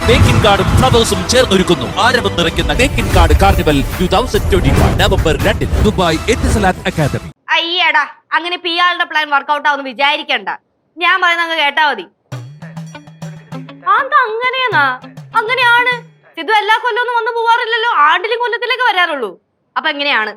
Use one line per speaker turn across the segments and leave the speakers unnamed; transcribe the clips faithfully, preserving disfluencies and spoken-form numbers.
തേക്കിൻ കാർഡും ഫ്ലവേഴ്സും ചേർന്നൊരുക്കുന്നു ആരവം നിറയ്ക്കുന്ന Thekkinkad carnival two thousand twenty one November രണ്ടിന് ദുബായ് എത്തിസലാത്ത് അക്കാദമി.
അയ്യടാ, അങ്ങനെ പി ആളുടെ പ്ലാൻ വർക്കൗട്ട് ആവുന്ന വിചാരിക്കണ്ട. ഞാൻ പറയുന്ന അങ്ങ് കേട്ടാ മതി. അതെന്താ അങ്ങനെയാ? അങ്ങനെയാണ്. സിദ്ധു എല്ലാ കൊല്ലവും വന്നു പോവാറില്ലല്ലോ, ആണ്ടിലും കൊല്ലത്തിലേക്ക് വരാറുള്ളൂ. അപ്പൊ എങ്ങനെയാണ്?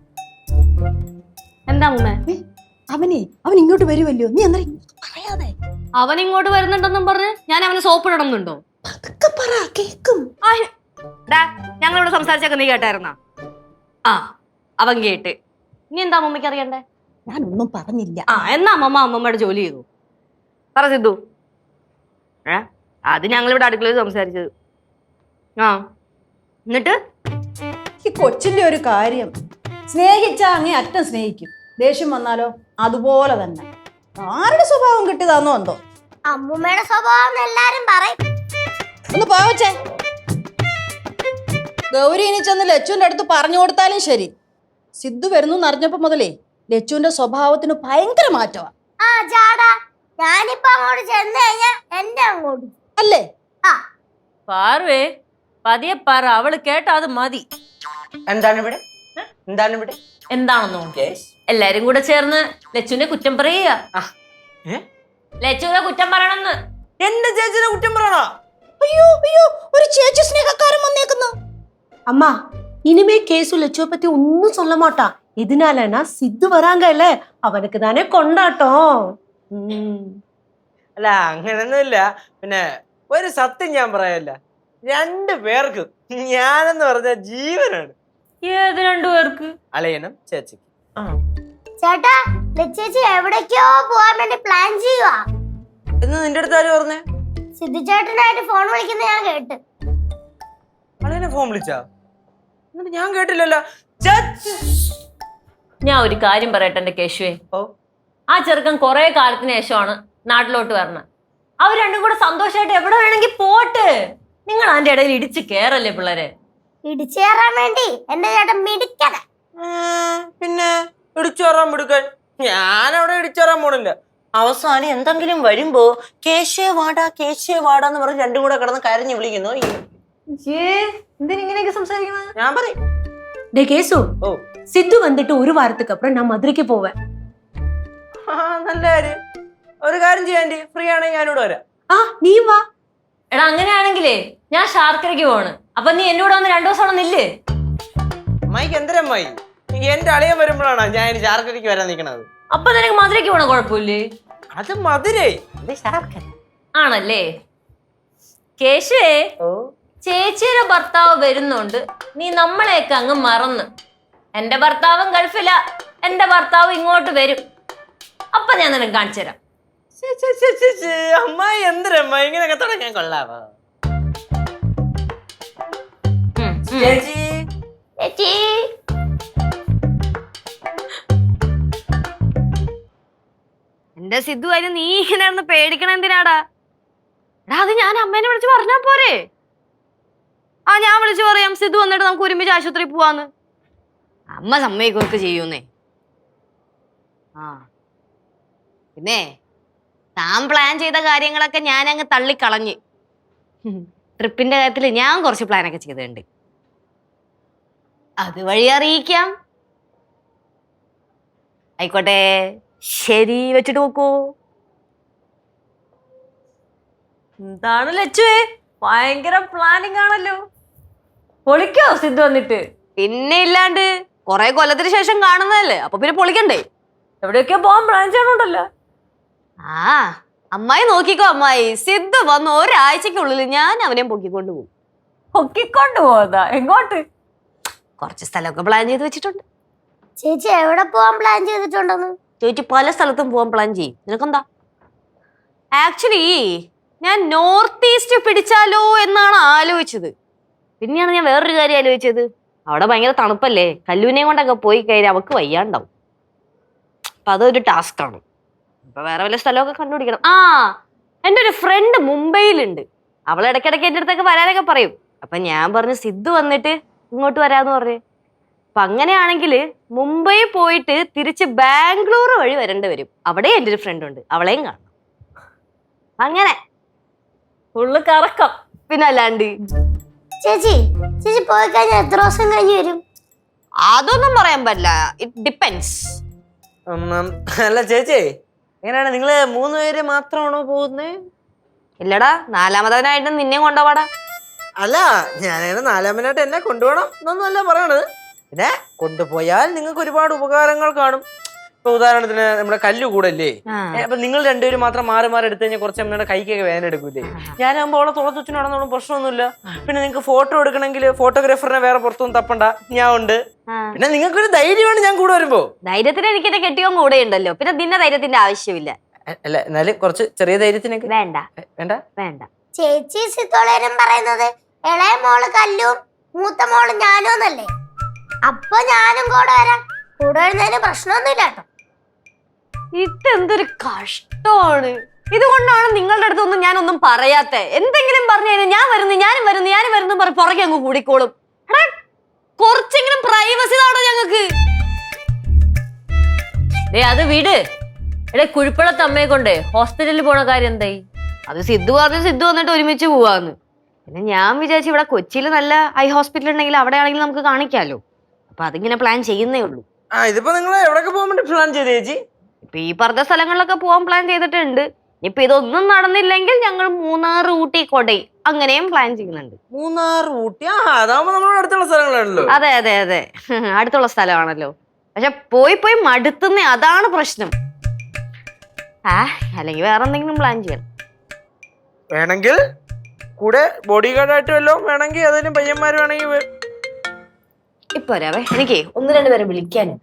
എന്താ മുമ്മേ?
അവനെ അവൻ ഇങ്ങോട്ട് വരുമല്ലോ, നീ അന്നേരം പറയാതെ.
അവൻ ഇങ്ങോട്ട് വരുന്നുണ്ടെന്നും പറഞ്ഞ് ഞാൻ അവന് സോപ്പ് ഇടണമെന്നുണ്ടോ?
അതൊക്കെ പറ, കേക്കും.
ഞങ്ങളിവിടെ സംസാരിച്ചൊക്കെ നീ കേട്ടായിരുന്ന? ആ, അവൻ കേട്ട്. ഇനി എന്താ അമ്മമ്മയ്ക്ക് അറിയണ്ടേ?
ഞാനൊന്നും പറഞ്ഞില്ല.
ആ, എന്നാ അമ്മമ്മ അമ്മമ്മയുടെ ജോലി ചെയ്തു. പറ സിദ്ധു. ഏ അത് ഞങ്ങളിവിടെ അടുക്കളയിൽ സംസാരിച്ചത്. ആ, എന്നിട്ട്
ഈ കൊച്ചിന്റെ ഒരു കാര്യം, സ്നേഹിച്ചാ അങ്ങേ അറ്റം സ്നേഹിക്കും, ദേഷ്യം വന്നാലോ അതുപോലെ തന്നെ. ആരുടെ സ്വഭാവം കിട്ടിയതാന്നോ എന്തോ.
അമ്മൂമ്മയുടെ സ്വഭാവം എല്ലാരും പറയും.
ഒന്ന് പോവച്ചേ. ഗൗരി ഇനി ചെന്ന് ലച്ചുവിന്റെ അടുത്ത് പറഞ്ഞു കൊടുത്താലും ശരി. സിദ്ധു വരുന്നു അറിഞ്ഞപ്പോ മുതലേ ലച്ചുവിന്റെ സ്വഭാവത്തിന് ഭയങ്കര മാറ്റമാ.
ആ ചാടാ, ഞാനിപ്പോ അങ്ങോട്ട് ചെന്ന് കഴിഞ്ഞാ എന്റെ അങ്ങോട്ട്
അല്ലേ?
ആ
പാർവേ, പതിയെ പറ, അവള് കേട്ടാ അത് മതി.
എന്താണ് ഇവിടെ? എന്താണ് ഇവിടെ?
എന്താണെന്നോ? എല്ലാരും കൂടെ ചേർന്ന് ലച്ചുവിനെ കുറ്റം പറയുക. ലച്ചുവിനെ കുറ്റം പറയണമെന്ന്.
എന്റെ ചേച്ചിനെ കുറ്റം പറയണോ?
അയ്യോ അയ്യോ, ഒരു ചേച്ചി സ്നേഹക്കാരൻ വന്നേക്കുന്നു.
அம்மா இனிமே கேசு லட்சுவ பத்தி ஒன்னும் சொல்ல மாட்டான். எதனாலனா சித்து வராங்க இல்ல, அவனுக்கு தானே கொண்டாட்டம்.
അല്ല അങ്ങനൊന്നുമില്ല. പിന്നെ ഒരു സത്യം ഞാൻ പറയല്ല, രണ്ടു പേർക്ക് ഞാനെന്ന് പറഞ്ഞ ജീവനാണ്.
ഏത് രണ്ടു പേർക്ക്?
അളയനും ചേച്ചിക്ക്.
ചേട്ടാ, ലച്ചേച്ചി എവിടേക്കോ പോവാൻ വേണ്ടി പ്ലാൻ ചെയ്യുവാ
എന്ന് നിന്റെ അടുത്ത് ആര് പറഞ്ഞേ?
സിദ്ധു ചേട്ടനായിട്ട് ഫോൺ വിളിക്കുന്ന ഞാൻ കേട്ട്.
അളയനെ ഫോൺ വിളിച്ചാ? എന്നിട്ട് ഞാൻ കേട്ടില്ലല്ലോ.
ഞാൻ ഒരു കാര്യം പറയട്ടെ എന്റെ കേശുവേ.
ഓ,
ആ ചെറുക്കൻ കുറെ കാലത്തിന് ശേഷമാണ് നാട്ടിലോട്ട് വരണം. അവർ രണ്ടും കൂടെ സന്തോഷമായിട്ട് എവിടെ വേണമെങ്കിൽ പോട്ട്. നിങ്ങൾ അതിന്റെ ഇടയിൽ ഇടിച്ച് കേറല്ലേ പിള്ളേരെ?
ഇടിച്ചേറാൻ വേണ്ടി എന്റെ ചേട്ടൻ മിടിക്കണ.
പിന്നെ ഇടിച്ചോറാൻ മിടുക്കൻ. ഞാനവിടെ ഇടിച്ചോറാൻ പോണില്ല. അവസാനം എന്തെങ്കിലും വരുമ്പോ കേശേ വാടാ കേശേ വാടാന്ന് പറഞ്ഞ് രണ്ടും കൂടെ കിടന്ന് കരഞ്ഞു വിളിക്കുന്നു.
എന്തിനിങ്ങനെയൊക്കെ സംസാരിക്കുന്നത്?
ഞാൻ പറയും.
டே கேசு,
ഓ,
சித்து வந்துட்டு ஒரு வாரத்துக்கு அப்புறம் நான் மதுரைக்கு போவேன்.
ആ നല്ല കാര്യം. ഒരു കാര്യം ചെയ്യാൻ, ഫ്രീ ആണെങ്കിൽ ഞാനിവിടെ വരാം.
ஆ நீ வா.
എടാ അങ്ങനെയാണെങ്കിലേ ഞാൻ ശാർക്കരയ്ക്ക് പോവാണ്. അപ്പൊ നീ എന്നോട് വന്ന് രണ്ടു ദിവസം അവിടെ നില്ലേ.
അമ്മായിക്ക് എന്തരമ്മായി, എന്റെ അളിയൻ വരുമ്പോഴാണ് ഞാൻ ഇനി ശാർക്കരയ്ക്ക് വരാൻ നിൽക്കണത്.
അപ്പൊ നിനക്ക് മധുരയ്ക്ക് പോണ കുഴപ്പമില്ലേ?
അത് മധുരേ, ഇത് ശാർക്കര
ആണല്ലേ? കേശുവേ,
ഓ,
ചേച്ചിയുടെ ഭർത്താവ് വരുന്നുണ്ട്, നീ നമ്മളെയൊക്കെ അങ്ങ് മറന്ന്. എന്റെ ഭർത്താവും ഗൾഫില, എന്റെ ഭർത്താവ് ഇങ്ങോട്ട് വരും. അപ്പൊ ഞാൻ നിനക്ക് കാണിച്ചു തരാം.
അമ്മായി എന്തരമ്മായി ഇങ്ങനെയൊക്കെ തുടങ്ങാൻ കൊള്ളാവോ? ചേച്ചി,
ചേച്ചി
എന്റെ സിദ്ധു, അതിന് നീ ഇങ്ങനെ പേടിക്കണ എന്തിനാടാ? എടാ, അത് ഞാൻ അമ്മേനെ വിളിച്ച് പറഞ്ഞാ പോരെ? ആ, ഞാൻ വിളിച്ചു പറയാം, സിദ്ധു വന്നിട്ട് നമുക്ക് ഒരുമിച്ച് ആശുപത്രി പോവാന്ന്. അമ്മ സമ്മതിക്കൊക്കെ ചെയ്യൂന്നേ. ആ, പിന്നെ താൻ പ്ലാൻ ചെയ്ത കാര്യങ്ങളൊക്കെ ഞാൻ അങ്ങ് തള്ളിക്കളഞ്ഞ്. ട്രിപ്പിന്റെ കാര്യത്തിൽ ഞാൻ കുറച്ച് പ്ലാനൊക്കെ ചെയ്തിട്ടുണ്ട്. അതുവഴി അറിയിക്കാം. ആയിക്കോട്ടെ, ശരി, വെച്ചിട്ട് നോക്കൂ.
എന്താണ് ലച്ചുവേ, ഭയങ്കര പ്ലാനിങ് ആണല്ലോ. പൊളിക്കോ സിദ്ധു വന്നിട്ട്?
പിന്നെ ഇല്ലാണ്ട്, കൊറേ കൊല്ലത്തിന് ശേഷം കാണുന്നതല്ലേ, അപ്പൊ പിന്നെ പൊളിക്കണ്ടേ?
എവിടെയൊക്കെ പോവാൻ പ്ലാൻ ചെയ്യണുണ്ടല്ലോ.
ആ, അമ്മായി നോക്കിക്കോ അമ്മായി, സിദ്ധു വന്ന് ഒരാഴ്ചക്കുള്ളിൽ ഞാൻ അവനെ പൊക്കിക്കൊണ്ട് പോകും.
പൊക്കിക്കൊണ്ട് പോകാ? എങ്ങോട്ട്?
കുറച്ച് സ്ഥലമൊക്കെ പ്ലാൻ ചെയ്ത് വെച്ചിട്ടുണ്ട്.
ചേച്ചി എവിടെ പോവാൻ പ്ലാൻ ചെയ്തിട്ടുണ്ടെന്ന്?
ചേച്ചി പല സ്ഥലത്തും പോകാൻ പ്ലാൻ ചെയ്യും. നിനക്കെന്താ? ആക്ച്വലി ഞാൻ നോർത്ത് ഈസ്റ്റ് പിടിച്ചാലോ എന്നാണ് ആലോചിച്ചത്. പിന്നെയാണ് ഞാൻ വേറൊരു കാര്യം ആലോചിച്ചത്. അവിടെ ഭയങ്കര തണുപ്പല്ലേ, കല്ലൂനെയും കൊണ്ടൊക്കെ പോയി കഴിഞ്ഞാൽ അവക്ക് വയ്യാണ്ടാവും. അപ്പൊ അതൊരു ടാസ്ക് ആണ്. അപ്പൊ വേറെ വല്ല സ്ഥലമൊക്കെ കണ്ടുപിടിക്കണം. ആ, എൻ്റെ ഒരു ഫ്രണ്ട് മുംബൈയിലുണ്ട്. അവൾ ഇടയ്ക്കിടയ്ക്ക് എൻ്റെ അടുത്തൊക്കെ വരാനൊക്കെ പറയും. അപ്പൊ ഞാൻ പറഞ്ഞു സിദ്ധു വന്നിട്ട് ഇങ്ങോട്ട് വരാന്ന് പറഞ്ഞു. അപ്പൊ അങ്ങനെയാണെങ്കിൽ മുംബൈ പോയിട്ട് തിരിച്ച് ബാംഗ്ലൂർ വഴി വരേണ്ടി വരും. അവിടെ എൻ്റെ ഒരു ഫ്രണ്ട് ഉണ്ട്, അവളെയും കാണണം. അങ്ങനെ
ഫുള്ള് കറക്കം.
പിന്നെ അല്ലാണ്ട്.
ചേച്ചി ചേച്ചി പോയി കഴിഞ്ഞാൽ എത്ര ദിവസം കഴിഞ്ഞ് വരും?
അതൊന്നും പറയാൻ പറ്റില്ല. It depends.
അല്ല ചേച്ചി, എങ്ങനെയാണ് നിങ്ങള് മൂന്ന് പേര് മാത്രമാണോ പോകുന്നേ?
ഇല്ലടാ, നാലാമതവനായിട്ട് നിന്നെ കൊണ്ടുപോടാ.
അല്ല, ഞാനങ്ങനെ നാലാമനായിട്ട് എന്നെ കൊണ്ടുപോകണം എന്നൊന്നുമല്ല പറയണത്. പിന്നെ കൊണ്ടുപോയാൽ നിങ്ങൾക്ക് ഒരുപാട് ഉപകാരങ്ങൾ കാണും. ഇപ്പൊ ഉദാഹരണത്തിന് നമ്മുടെ കല്ല് കൂടല്ലേ, അപ്പൊ നിങ്ങൾ രണ്ടുപേരും മാത്രം മാറി മാറി എടുത്തു കഴിഞ്ഞാൽ കുറച്ച് നമ്മുടെ കൈക്കൊക്കെ വേദന എടുക്കൂലേ. ഞാനാകുമ്പോൾ അവളെ തുളച്ചുച്ചു നടന്നോളും, പ്രശ്നമൊന്നുമില്ല. പിന്നെ നിങ്ങൾക്ക് ഫോട്ടോ എടുക്കണമെങ്കിൽ ഫോട്ടോഗ്രാഫറിനെ വേറെ പുറത്തൊന്നും തപ്പണ്ട, ഞാൻ ഉണ്ട്. പിന്നെ നിങ്ങൾക്കൊരു ധൈര്യമാണ് ഞാൻ കൂടെ വരുമ്പോ.
ധൈര്യത്തിന് എനിക്ക് എന്റെ കെട്ടിയോ കൂടെ ഉണ്ടല്ലോ, പിന്നെ നിന്നെ ധൈര്യത്തിന്റെ ആവശ്യമില്ല.
അല്ല, എന്നാലും കുറച്ച് ചെറിയ ധൈര്യത്തിനൊക്കെ
വേണ്ട
വേണ്ട
വേണ്ട.
ചേച്ചി സിത്തോളേരും പറയുന്നത് ഇളയ മോള് കല്ലും മൂത്ത മോള് ഞാനും എന്നല്ലേ? അപ്പൊ ഞാനും കൂടെ വരാം. കൂടെ വരുന്നതിന് പ്രശ്നമൊന്നുമില്ല കേട്ടോ.
ഇതെന്തൊരു കഷ്ടമാണ്. ഇതുകൊണ്ടാണ് നിങ്ങളുടെ അടുത്തൊന്നും ഞാനൊന്നും പറയാത്ത. എന്തെങ്കിലും പറഞ്ഞു കഴിഞ്ഞാൽ ഞാൻ വരുന്നു ഞാനും വരുന്നു ഞാനും വരുന്നു പറഞ്ഞ് പുറകെ അങ്ങ് കൂടിക്കോളും. എടാ, കുറച്ചെങ്കിലും പ്രൈവസി താടോ ഞങ്ങക്ക്.
ഡേ അത് വീട്. എടേ, കുഴിപ്പള്ളത്തെ അമ്മയെ കൊണ്ട് ഹോസ്പിറ്റലിൽ പോണ കാര്യം എന്തായി?
അത് സിദ്ധു പറഞ്ഞു സിദ്ധു വന്നിട്ട് ഒരുമിച്ച് പോവാന്ന്. പിന്നെ ഞാൻ വിചാരിച്ചു ഇവിടെ കൊച്ചിയിൽ നല്ല ഐ ഹോസ്പിറ്റൽ ഉണ്ടെങ്കിൽ അവിടെ ആണെങ്കിൽ നമുക്ക് കാണിക്കാലോ. അപ്പൊ അതിങ്ങനെ പ്ലാൻ ചെയ്യുന്നേ ഉള്ളൂ.
ആ ഇതിപ്പോ നിങ്ങൾ എവിടെയൊക്കെ പോകാൻ വേണ്ടി പ്ലാൻ ചെയ്ത് ചേച്ചി?
ഇപ്പൊ ഈ പറഞ്ഞ സ്ഥലങ്ങളിലൊക്കെ പോകാൻ പ്ലാൻ ചെയ്തിട്ടുണ്ട്. ഇപ്പൊ ഇതൊന്നും നടന്നില്ലെങ്കിൽ ഞങ്ങൾ മൂന്നാർ, ഊട്ടി, കൊടൈ അങ്ങനെയും പ്ലാൻ ചെയ്യുന്നുണ്ട്.
മൂന്നാർ, ഊട്ടി, ആ അതാവുമ്പോ നമ്മുടെ അടുത്തുള്ള സ്ഥലങ്ങളാണല്ലോ.
അതെ അതെ അതെ അടുത്തുള്ള സ്ഥലമാണല്ലോ. പക്ഷെ പോയി പോയി മടുത്തുന്നേ, അതാണ് പ്രശ്നം. ആ അല്ലെങ്കിൽ വേറെ എന്തെങ്കിലും പ്ലാൻ ചെയ്യണം.
വേണമെങ്കിൽ കൂടെ ബോഡി ഗാർഡായിട്ട് വല്ലതും വേണമെങ്കിൽ അതിന് പയ്യന്മാർ വേണമെങ്കിൽ
ഇപ്പൊ വരാവേ, എനിക്ക് ഒന്ന് രണ്ട് പേരെ വിളിക്കാനുണ്ട്.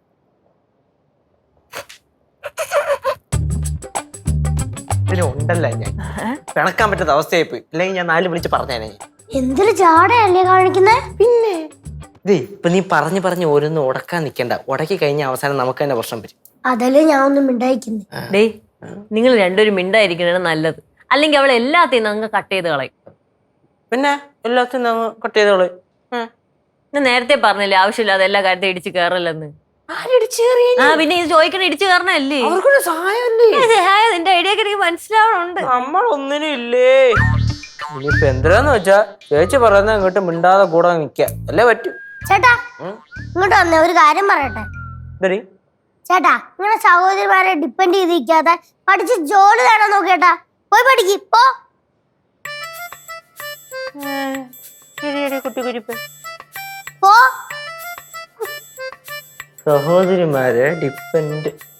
പിന്നെ ഉണ്ടല്ല, ഞാൻ പിണക്കാൻ പറ്റാത്ത അവസ്ഥയായി പോയി. അല്ലെങ്കിൽ ഞാൻ നാല് വിളിച്ച് പറഞ്ഞേനെ.
എന്തൊരു ജാടയല്ലേ കാണിക്കുന്നേ?
പിന്നെ ഇതേ ഇപ്പൊ നീ പറഞ്ഞു പറഞ്ഞ് ഓരോന്നും ഉടക്കാൻ നിക്കണ്ട. ഉടക്കി കഴിഞ്ഞ അവസാനം നമുക്ക് തന്നെ പ്രശ്നം വരും.
അതല്ലേ ഞാൻ ഒന്നും മിണ്ടായിക്കുന്നേ.
ഡേ, നിങ്ങൾ രണ്ടുപേരും മിണ്ടായിരിക്കണതാണ് നല്ലത്. അല്ലെങ്കിൽ അവൾ എല്ലാத்தைയും അങ്ങ് കട്ട് ചെയ്ത് കളയും.
പിന്നെ എല്ലാത്തിനും അങ്ങ് കട്ട് ചെയ്തോളൂ.
ഞാൻ നേരത്തെ പറഞ്ഞില്ലേ ആവശ്യമില്ലാതെ എല്ലാ കാര്യத்தைയും ഇടിച്ച് കയറല്ലെന്ന്. ആ പിന്നെ ഇത് ചോദിക്കണ ഇടിച്ചു കയറണല്ലേ? നിന്റെ ഐഡിയ ഒക്കെ എനിക്ക് മനസ്സിലാവണുണ്ട്.
നമ്മളൊന്നിനും ഇല്ലേ. ഇനിയിപ്പൊ എന്തിനാന്ന് വെച്ചാ ചേച്ചി പറയുന്ന ഇങ്ങോട്ട് മിണ്ടാതെ കൂടെ നിക്ക അല്ലേ പറ്റൂ.
ചേട്ടാ ഇങ്ങോട്ട് വന്നേ, ഒരു കാര്യം പറയട്ടെ. ചേട്ടാ, നിങ്ങളുടെ സഹോദരിമാരെ ഡിപ്പെൻഡ് ചെയ്തിരിക്കാതെ പഠിച്ച് ജോലി നേടാൻ നോക്കേട്ടാ. പോയി പഠിക്ക് പോ. പോ.
സഹോദരിമാരെ ഡിപ്പെൻഡ്